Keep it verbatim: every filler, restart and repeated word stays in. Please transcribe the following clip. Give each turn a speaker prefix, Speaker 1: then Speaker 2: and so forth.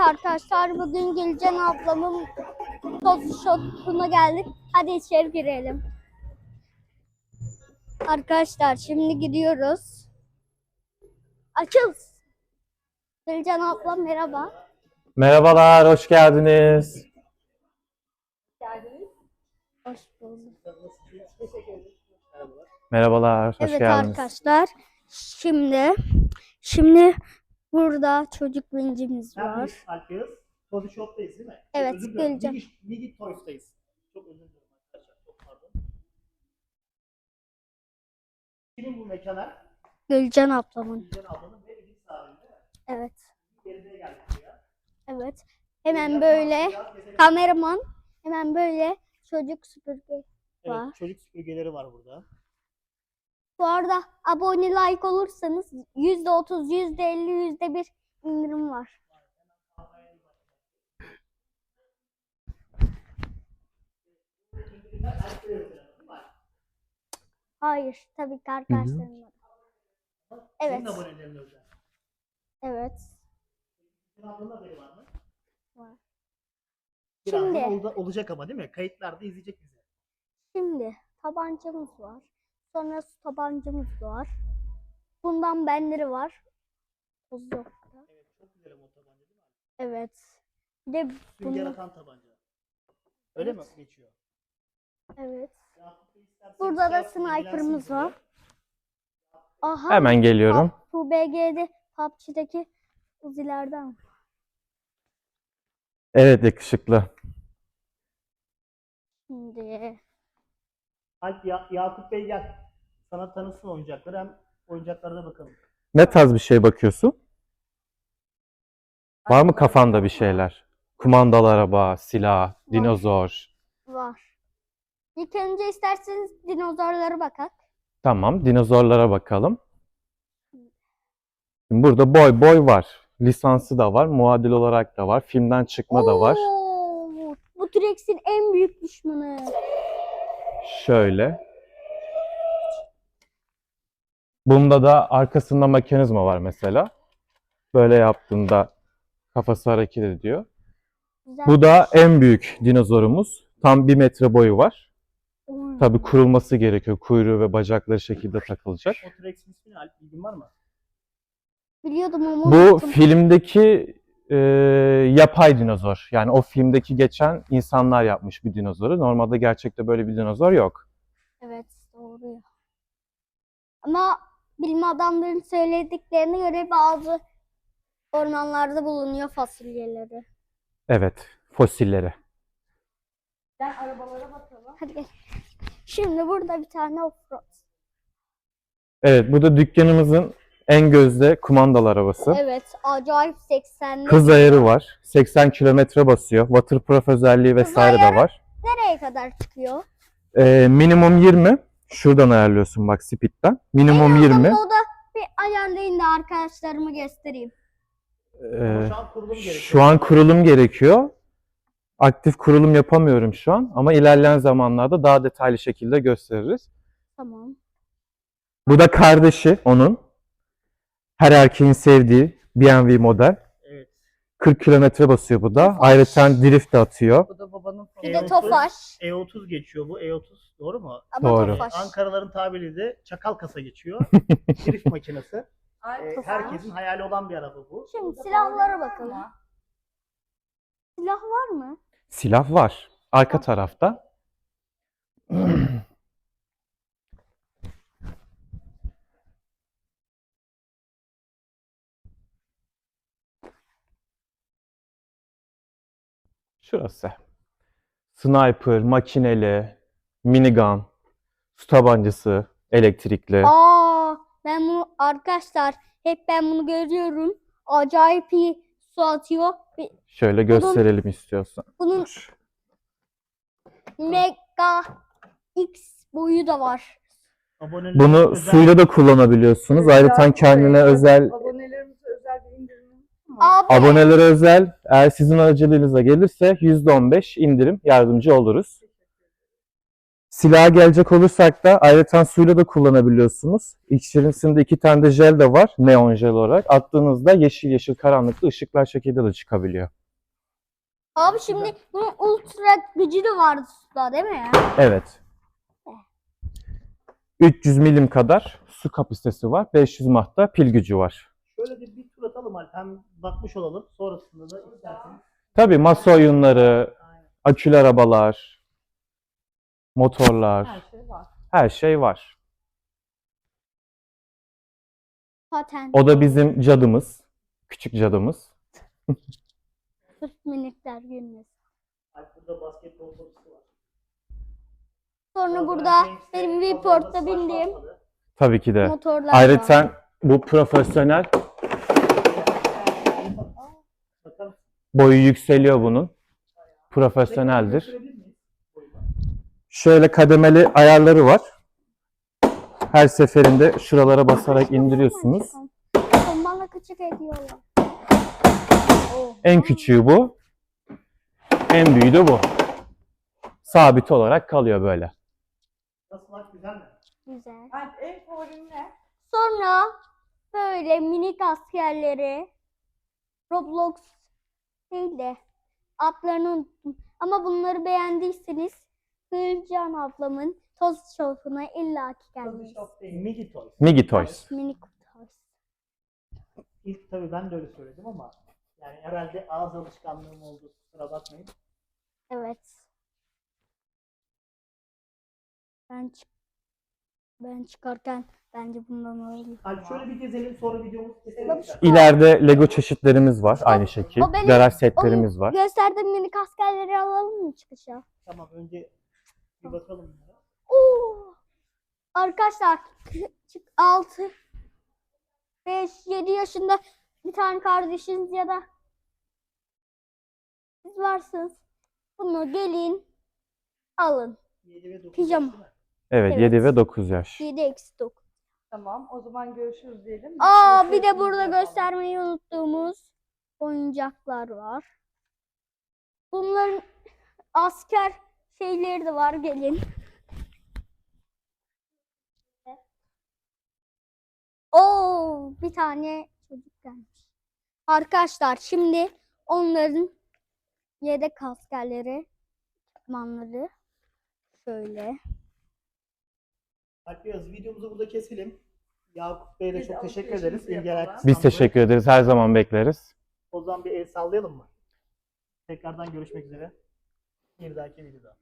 Speaker 1: arkadaşlar, bugün Gülcan ablamın toz shop'una geldik. Hadi içeri girelim. Arkadaşlar şimdi gidiyoruz. Açıl. Gülcan abla merhaba.
Speaker 2: Merhabalar, hoş geldiniz.
Speaker 1: Geldiniz. Hoş bulduk.
Speaker 2: Merhabalar, hoş
Speaker 1: Evet
Speaker 2: geldiniz.
Speaker 1: arkadaşlar. Şimdi şimdi burada çocuk vincimiz var.
Speaker 3: Neredeyiz Alpiyaz? Body Shop'tayız değil mi? Çok
Speaker 1: Evet,
Speaker 3: özür dilerim.
Speaker 1: geleceğim.
Speaker 3: Migi, Migi Toys'tayız. Çok özür dilerim arkadaşlar. Çok pardon. Kimin bu mekanlar?
Speaker 1: Gülcan ablamın.
Speaker 3: Gülcan ablanın ve Elif sahibinin değil mi?
Speaker 1: Evet.
Speaker 3: Yerine geldik buraya.
Speaker 1: Evet. Hemen böyle kameraman, hemen böyle çocuk süpürge var.
Speaker 3: Evet, çocuk süpürgeleri var burada.
Speaker 1: Bu arada abone, like olursanız yüzde otuz, yüzde elli, yüzde bir indirim var. Hayır, tabii ki arkadaşlarım var. Evet.
Speaker 3: Senin abonelerin özel.
Speaker 1: Evet.
Speaker 3: Senin ablanın haberi var mı?
Speaker 1: Var.
Speaker 3: Birazdan
Speaker 1: Şimdi-
Speaker 3: olda- olacak ama değil mi? Kayıtlarda izleyecek bizi.
Speaker 1: Şimdi tabancamız var. Sonra su tabancamız var. Bundan benleri var. Toz yok.
Speaker 3: Evet, çok güzel ama o tabanca değil mi?
Speaker 1: Evet. Bir de
Speaker 3: Sünger
Speaker 1: bunu,
Speaker 3: atan tabanca. Öyle mi geçiyor?
Speaker 1: evet.
Speaker 3: Yakup Bey istersen
Speaker 1: Burada da
Speaker 3: şey yapsın,
Speaker 1: sniper'ımız
Speaker 3: ilgilensin
Speaker 1: var. Aha.
Speaker 2: Hemen geliyorum.
Speaker 1: P U B G'de P U B G'deki uzilerden.
Speaker 2: Evet, yakışıklı.
Speaker 1: Şimdi
Speaker 3: Alp, Ya- Yakup Bey gel. Sana tanısın oyuncakları, hem oyuncaklarına bakalım.
Speaker 2: Ne tarz bir şey bakıyorsun? Var mı kafanda bir şeyler? Kumandalı araba, silah, dinozor.
Speaker 1: var. İlk önce isterseniz dinozorlara bakalım.
Speaker 2: Tamam, dinozorlara bakalım. Şimdi burada boy boy var. Lisansı da var, muadil olarak da var. Filmden çıkma da var.
Speaker 1: Oo, bu T-Rex'in en büyük düşmanı.
Speaker 2: Şöyle. Bunda da arkasında mekanizma var mesela. Böyle yaptığında kafası hareket ediyor.
Speaker 1: Güzel.
Speaker 2: Bu da en büyük dinozorumuz. Tam bir metre boyu var.
Speaker 1: Oy.
Speaker 2: Tabii kurulması gerekiyor. Kuyruğu ve bacakları şekilde takılacak.
Speaker 3: O T-Rex'in ismini Alp bilgin var mı?
Speaker 1: Biliyordum ama
Speaker 2: Bu
Speaker 1: unuttum.
Speaker 2: filmdeki e, yapay dinozor. Yani o filmdeki geçen insanlar yapmış bir dinozoru. Normalde gerçekte böyle bir dinozor yok.
Speaker 1: Evet, doğru ya. Ama bilim adamlarının söylediklerine göre bazı ormanlarda bulunuyor fasulyeleri.
Speaker 2: Evet, fosilleri.
Speaker 1: Ben arabalara bakalım. Hadi gel. Şimdi burada bir tane offroad.
Speaker 2: Evet, bu da dükkanımızın en gözde kumandalı arabası.
Speaker 1: Evet, acayip seksenli.
Speaker 2: Hız ayarı var. seksen kilometre basıyor. Waterproof özelliği vesaire de
Speaker 1: ayarı-
Speaker 2: var.
Speaker 1: Nereye kadar çıkıyor?
Speaker 2: Ee, minimum yirmi. Şuradan ayarlıyorsun bak speed'den. Minimum yirmi.
Speaker 1: O da bir ayarlayın da arkadaşlarıma göstereyim.
Speaker 2: Ee,
Speaker 3: Ama şu an kurulum gerekiyor.
Speaker 2: şu an kurulum gerekiyor. Aktif kurulum yapamıyorum şu an ama ilerleyen zamanlarda daha detaylı şekilde gösteririz.
Speaker 1: Tamam.
Speaker 2: Bu da kardeşi onun. Her erkeğin sevdiği B M W model.
Speaker 3: Evet.
Speaker 2: kırk kilometre basıyor bu da. Ayrıca drift de atıyor.
Speaker 4: Bu da babanın
Speaker 1: Bir
Speaker 3: E
Speaker 1: de
Speaker 3: otuz,
Speaker 1: Tofaş.
Speaker 3: E otuz geçiyor bu. E otuz doğru mu?
Speaker 1: Ama
Speaker 2: Doğru.
Speaker 1: Tofaş.
Speaker 3: Ankaraların tabiriyle de çakal kasa geçiyor. Drift makinesi.
Speaker 4: Ay,
Speaker 3: E, herkesin hayali olan bir araba bu.
Speaker 1: Şimdi silahlara bakalım. Silah var mı?
Speaker 2: Silah var. Arka tarafta. Şurası. Sniper, makineli, minigun, su tabancası, elektrikli.
Speaker 1: Aa, ben bunu arkadaşlar hep ben bunu görüyorum. Acayip iyi su atıyor. Bir-
Speaker 2: Şöyle gösterelim istiyorsan.
Speaker 1: Bunun Mega X boyu da var.
Speaker 3: Aboneler
Speaker 2: Bunu
Speaker 3: özel-
Speaker 2: suyla da kullanabiliyorsunuz. Ayrıca kendine özel,
Speaker 4: Abonelerimize özel bir indirim var mı?
Speaker 1: Abi,
Speaker 2: abonelere özel, eğer sizin aracılığınıza gelirse yüzde on beş indirim yardımcı oluruz. Silaha gelecek olursak da ayrıca suyla da kullanabiliyorsunuz. İçerisinde iki tane de jel de var. Neon jel olarak. Attığınızda yeşil yeşil karanlıkta ışıklar şekilde de çıkabiliyor.
Speaker 1: Abi şimdi bunun ultra gücü de vardı suda değil mi?
Speaker 2: Evet. üç yüz milim kadar su kapasitesi var. beş yüz mahta pil gücü var.
Speaker 3: Şöyle bir, bir tur atalım Alp. Hem bakmış olalım. Sonrasında da isterseniz.
Speaker 2: Tabii masa oyunları, akülü arabalar, motorlar,
Speaker 4: Her şey var.
Speaker 2: her şey var.
Speaker 1: Patent.
Speaker 2: O da bizim cadımız. Küçük cadımız.
Speaker 1: Sırf minikler gülmesin.
Speaker 3: Alp burada basketbol topu var.
Speaker 1: Sonra burada benim Viport'ta bindiğim
Speaker 2: Tabii ki de.
Speaker 1: motorlar var.
Speaker 2: Ayrıca bu profesyonel,
Speaker 3: Bakalım.
Speaker 2: boyu yükseliyor bunun. Profesyoneldir.
Speaker 3: Gösterebilir miyiz? Boyunu.
Speaker 2: Şöyle kademeli ayarları var. Her seferinde şuralara basarak indiriyorsunuz.
Speaker 1: Bana küçük ediyorlar.
Speaker 2: En küçüğü bu. En büyüğü de bu. Sabit olarak kalıyor böyle.
Speaker 3: Nasıl Alp, güzel mi?
Speaker 1: Güzel.
Speaker 4: Alp en favorin ne?
Speaker 1: Sonra böyle minik askerleri Roblox değil de adlarını unuttum. Ama bunları beğendiyseniz Gülcan ablamın toz şofuna illaki gelmeyiz.
Speaker 3: Migi Toys.
Speaker 2: Migi Toys.
Speaker 1: Minik toz.
Speaker 3: İlk tabii ben de öyle söyledim ama yani herhalde ağız alışkanlığım oldu. Kusura bakmayın.
Speaker 1: Evet. Ben çık ben çıkarken bence bundan alayım.
Speaker 3: Alp şöyle bir gezelim, sonra videomuzu keselim.
Speaker 1: Bak şu-
Speaker 3: istersen.
Speaker 2: İleride Lego çeşitlerimiz var aynı şekil.
Speaker 1: o benim-
Speaker 2: Garaj setlerimiz var.
Speaker 1: Gösterdiğim minik askerleri alalım mı çıkışa?
Speaker 3: Tamam, önce bir bakalım bunlara.
Speaker 1: Oo! Arkadaşlar altı beş yedi yaşında bir tane kardeşiniz ya da siz varsınız. Bunu gelin alın.
Speaker 3: yedi ve dokuz
Speaker 1: Pijama.
Speaker 3: yaş değil mi?
Speaker 2: Evet,
Speaker 1: Evet.
Speaker 2: yedi ve dokuz yaş.
Speaker 1: yedi eksi dokuz.
Speaker 4: Tamam, o zaman görüşürüz diyelim.
Speaker 1: Aa bir de
Speaker 4: Görüşürüz
Speaker 1: burada
Speaker 4: yapalım.
Speaker 1: göstermeyi unuttuğumuz oyuncaklar var. Bunların asker şeyleri de var, gelin. Oo bir tane çocuk gelmiş. Arkadaşlar şimdi onların yedek askerleri, ekipmanları şöyle.
Speaker 3: Alp Beyaz, videomuzu burada keselim. Yakup Bey'e de
Speaker 4: Biz
Speaker 3: çok teşekkür
Speaker 4: alışverişimizi
Speaker 3: ederiz. İlgi
Speaker 4: yapalım.
Speaker 3: alakası
Speaker 2: Biz
Speaker 3: sandığı.
Speaker 2: teşekkür ederiz. Her zaman bekleriz.
Speaker 3: O zaman bir el sallayalım mı? Tekrardan görüşmek üzere. Bir dahaki videoda.